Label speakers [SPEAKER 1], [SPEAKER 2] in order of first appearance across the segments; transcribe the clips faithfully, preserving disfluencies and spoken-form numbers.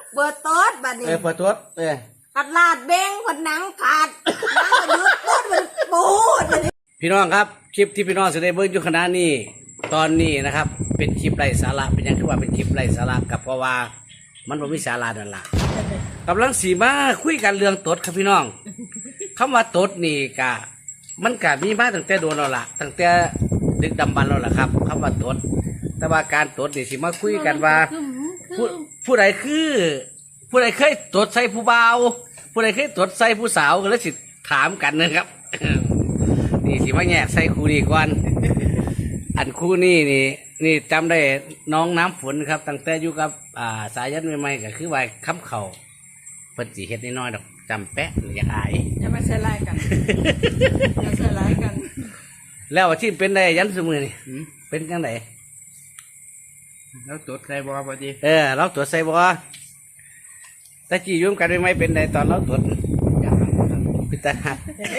[SPEAKER 1] เปิดโต๊ดบัดนี้
[SPEAKER 2] เออเปิดโต๊ดเออ
[SPEAKER 1] กัดลาดเบ้งคนหนังขาดนังก็ยุดโต๊ดมันปูด
[SPEAKER 2] พี่น้องครับคลิปที่พี่น้องจะได้เบิ่งอยู่ขณะนี้ตอนนี้นะครับเป็นคลิปไร้สาระเป็นยังคือว่าเป็นคลิปไร้สาระกับเพราะว่ามันบ่มีสาระนั่นล่ะกำลังสีมาคุยกันเรื่องตดครับพี่น้องคำว่าตดนี่กะมันกะมีมาตั้งแต่โดนแล้วล่ะตั้งแต่ดึกดำบรรพ์แล้วล่ะครับคำว่าตดแต่ว่าการตดนี่สิมาคุยกันว่าผู้ผู้ใดคือผู้ใดเคยตดใส่ผู้บ่าวผู้ใดเคยตดใส่ผู้สาวก็เลยสิถามกันนะครับ นี่สิมาแยกใส่คู่นี้ก่อนอันคู่นี้นี่นี่จำได้น้องน้ำฝนครับตั้งแต่อยู่กับอ่าสายันใหม่ๆก็คือว่าค้ำเข่าเปิดสีเฮ็ดน้อยๆดอกจำแปะอย่าอาย
[SPEAKER 1] อย่ามาใส่ร้ายกันอย่าใส่ร้ายกัน
[SPEAKER 2] แล้วที่เป็นได้ยันสมือนี่เป็นจังได
[SPEAKER 3] แล้วตรวจใส่บ่พอดี
[SPEAKER 2] เออเราตรวจใส่บ่ตะกี้ยุ่งกันไม่เป็นได้ตอนเราตรวจพิตาหัก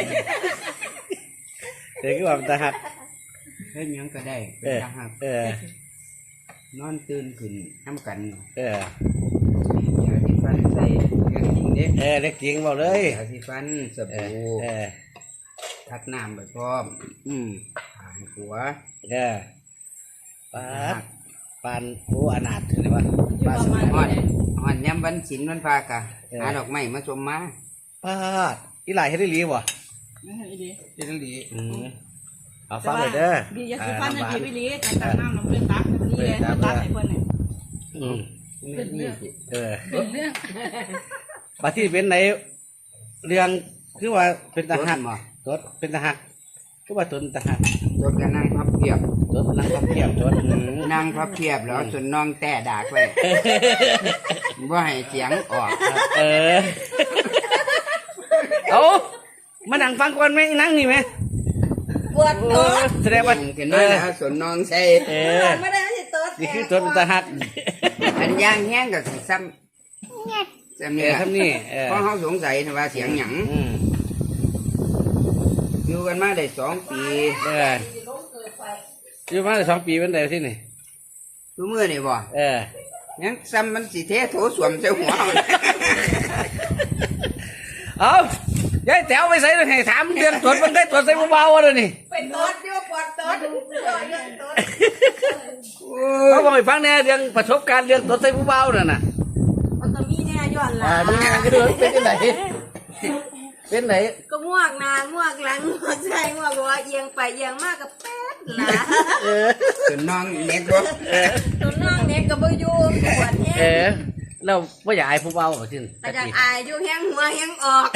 [SPEAKER 2] เด็กก็ว่าพิตาหัก
[SPEAKER 3] เฮ้ยยังก็ได้
[SPEAKER 2] เออเอ
[SPEAKER 3] อนอนตื่นขึ้นน้ำกัน
[SPEAKER 2] เออ
[SPEAKER 3] อยาที่ฟันใส่เรื่องจริงเด็ก
[SPEAKER 2] เออเด็กจริงบอกเลย
[SPEAKER 3] อยาที่ฟันสบู่
[SPEAKER 2] เออ
[SPEAKER 3] ทักน้ำไปพร้อม
[SPEAKER 2] อืม
[SPEAKER 3] หายหัว
[SPEAKER 2] เออปานปานโอ้อนาถเลยวะปาน
[SPEAKER 3] หอนหอนย้ำวันศิลวันพากะหาดอกไม้มาชมมา
[SPEAKER 2] ปาดอีหลายเฮ็ดได้ดีบ่
[SPEAKER 3] เฮ็ดได้ดี
[SPEAKER 2] อืมเอาฟังเลยเด้อ
[SPEAKER 1] ดีอย่าสิฟันนะดีพี่ลีแต่ตักน้ำน้ำเพื่อนตักนี่เลยตักให้เพื่อนเนี่ย
[SPEAKER 2] อืม
[SPEAKER 3] เป็นเรื่อง
[SPEAKER 2] เออ
[SPEAKER 1] เป็นเรื่อง
[SPEAKER 2] ปาที่เป็นไหนเรื่องคือว่าเป็นทหารตดเป็นทหารคือว่าตนทหาร
[SPEAKER 3] ตดกันนั่งพับเพียบ
[SPEAKER 2] ตดนั่งพับเพียบตด
[SPEAKER 3] นั่งพับเพียบแล้วส่วนน้องแต่ดากไว้ว่าให้เสียงออก
[SPEAKER 2] เออเอามานั่งฟังก่อนไหมนั่งนี่ไหม
[SPEAKER 1] ปวดตัว
[SPEAKER 2] แสดงว่า
[SPEAKER 3] เห็นไหมนะส่วนน้องใส่
[SPEAKER 2] เออ
[SPEAKER 1] ไม่ได้ให้ตัว
[SPEAKER 2] นี่คือตัวเป็นทหาร
[SPEAKER 3] อันย่างแห้งกับซ้ำซ้ำนี่
[SPEAKER 2] ซ้ำนี่
[SPEAKER 3] เพราะเขาสงสัยว่าเสียงหยังอยู่กันมาได้สองปี
[SPEAKER 2] เอออยู่มาได้สองปีเป็นไงที่นี่
[SPEAKER 3] รู้เมื่อนี่บ่
[SPEAKER 2] เออ
[SPEAKER 3] ยังซ้ำมันสีเทโถสวมเจ้าหัว
[SPEAKER 2] เอายายแถวไปใส่ให้ถามเรื่องตรวจมันได้ตรวจใส่เบาๆเลยนี่
[SPEAKER 1] เป็นตรวจอยู่ปวดตรวจ
[SPEAKER 2] เขาบอกให้ฟังแน่เรื่องประสบการณ์เรื่องตรวจใส่เบาๆนั่นน่ะ
[SPEAKER 1] มันจะมีแน่ย้อนหลัง
[SPEAKER 2] มีงานก็เดินเป็นที่ไหนเป็นไหน
[SPEAKER 1] ก็ม่วงนานม่วงหลังม่วงใจม่วงว่าเอียงไปเอียงมากกับแป๊ดละ
[SPEAKER 3] ส่วนน้องเน็ตบ่
[SPEAKER 1] ส่วนน้องเน็ตกับบ่อยู่ปวดแห้
[SPEAKER 2] งเราไม่อยากอายผู้เบาหรอที่
[SPEAKER 1] แต่อยากอายอยู่แห้งหัวแห้งออก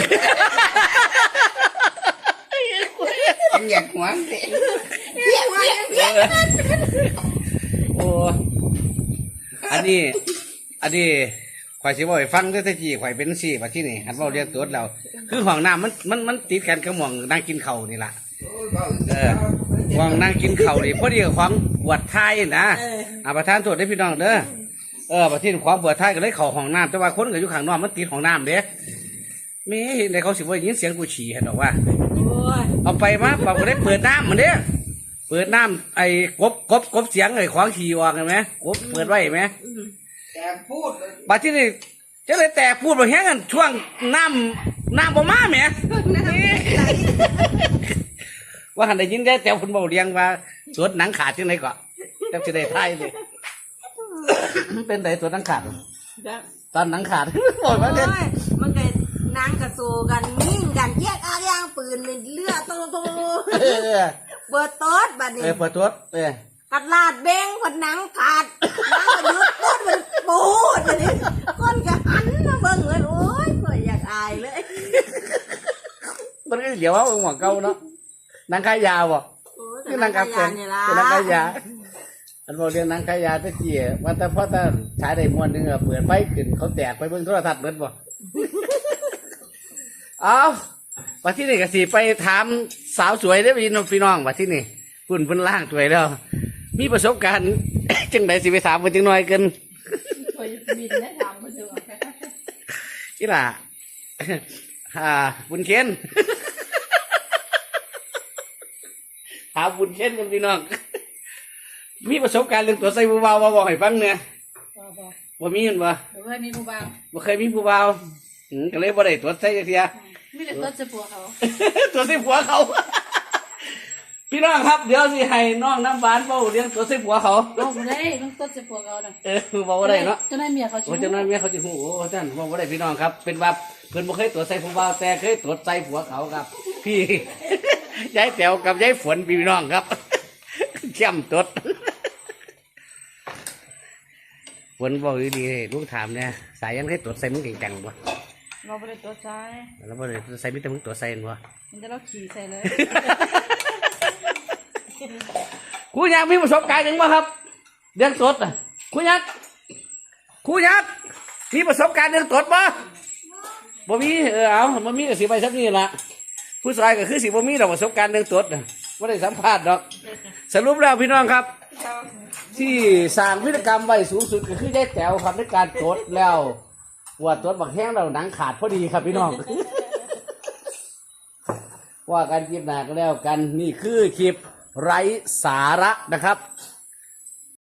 [SPEAKER 3] อยากหัวเสีย
[SPEAKER 1] แห้งหัวแห้งเพี้ยน
[SPEAKER 2] โอ้อันนี้อันนี้ข่อยสิบ่อยฟังได้แต่จีข่อยเป็นสี่มาที่นี่หันเบาเรียกตัวเราคือห้องน้ำมันมันมันติดกันกับหม่องนั่งกินเข่านี่ล่ะเออห้องนั่งกินเข่านี่พอดีกับของปวดท้ายนะอาประธานโทษได้พี่น้องเด้อเออประเทศความปวดท้ายก็เลยเข่าห้องน้ำแต่ว่าคนก็อยู่ข้างนอกมันติดห้องน้ำเด้มีในเขาสิว่ายินเสียงกูฉี่เห็นหรอว่าเอาไปมาบอกก็ได้เปิดน้ำมันเด้เปิดน้ำไอ้กบกบกบเสียงไอ้ขวางฉี่วางเห็นไหมกบเปิดไว้ไหม
[SPEAKER 3] แต่พูด
[SPEAKER 2] บัดที่นี่จะเลยแต่พูดแบบแห้งกันช่วงน้ำน้ำประมาแหมว่าหันได้ยินได้แต่คุณบอกเรียงว่าสวดหนังขาดที่ไหนก่อนจะจะได้ท้ายเลยเป็นไหนสวดหนังขาดตอนหนังขาดบอกว่าเนี่ย
[SPEAKER 1] มันเกิดนางกระโซกันยิ่งกันแยกอาย่างปืนเป็นเลือดโตโตเปิดโต๊ดบัดนี้
[SPEAKER 2] เปิดโต๊ดเออ
[SPEAKER 1] กัดลาดเบ้งคนหนังขาดนังก็ยุดโต๊ดมันปูดบัดนี้คนก็หันมาเบิ่งเลยโอ้ยก็อยากอายเลย
[SPEAKER 2] มันก็เดี๋ยวว่าหัวเก่าเนาะนางขายยาบ่
[SPEAKER 1] คือนางกาแฟ
[SPEAKER 2] นี่ล่ะนางขายยาอันบอกเรื่องนางขายยาตะเกียว่าแต่พอตาใช้ได้มวนนึงอะเปิดไฟขึ้นเขาแตกไปเบิ่งโทรทัศน์เหมือนบ่เอาว่าที่นี่ก็สิไปถามสาวสวยได้พี่น้องพี่น้องว่าที่นี่ปุ่นเพิ่นล่างสวยแล้วมีประสบการณ์จังไดสิไปถามเพิ่นจังหน่อยกันอีหล่ะอ่าบุญเคนหาบุญเคนกันพี่น้องมีประสบการณ์เรื่องตัวใส่บูเบามาบอกให้ฟังเนี่ยบบ่มีเห็นบ่
[SPEAKER 4] หรือว่ามีผู้บ่าว
[SPEAKER 2] บ่เคยมีผู้บ่าวอืมก็เลยบ่ได้ตรวจใส่จักเทีย
[SPEAKER 4] ไม่ได้ตัวจะปัวเขา
[SPEAKER 2] ตัวใส่ผัวเขา พี่น้องครับเดี๋ยวสิให้น้องน้ำหวานเว้าเรื่องตัวใส่ผัวเขา
[SPEAKER 4] เอาบ่ได้ต้องตัวจะปัวเขาน่ะ
[SPEAKER 2] เออเว้าบ่ได้เนาะ
[SPEAKER 4] จะได้เมียเขา
[SPEAKER 2] โอ้เจ้าน้อยเมียเขาสิฮู้โอ้ท่านเว้าบ่ได้พี่น้องครับ เป็นว่าเพิ่นบ่เคยตรวจใส่ผู้บ่าวแต่เคยตรวจใส่ผัวเขาครับ พี่ ยายแต๋วกับยายฝนพี่น้องครับ เข้มตด ฝนบอกดีๆลูกถามเนี่ยสายยันเคยตรวจใส่มึงเก่งจังบ่
[SPEAKER 4] เราไม่ได้ตัวใจ
[SPEAKER 2] แล้วบ่ได้ใส่มิแต่มึงตรวจใส่บ่
[SPEAKER 4] มันจะเราขี่ใส่เลย
[SPEAKER 2] ครูยักษ์มีประสบการณ์หนึ่งบ่ครับเรื่องตรวจอ่ะครูยักษ์ครูยักษ์มีประสบการณ์เรื่องตรวจบ่บ่มีเออเอาบ่มีก็สิไปซับนี่ล่ะผู้ชายก็คือสิบ่มีดอกประสบการณ์เรื่องตรวจน่ะบ่ได้สัมภาษณ์ดอก สรุปแล้วพี่น้องครับ ที่สร้างวิรกรรมไว้สูงสุดก็คือยายแต๋วครับในการตรวจแล้วว่าตรวจบักแห้งแล้วหนังขาดพอดีครับพี่น้อง ว่ากันคลิปหน้าก็แล้วกันนี่คือคลิปไร้สาระนะครับ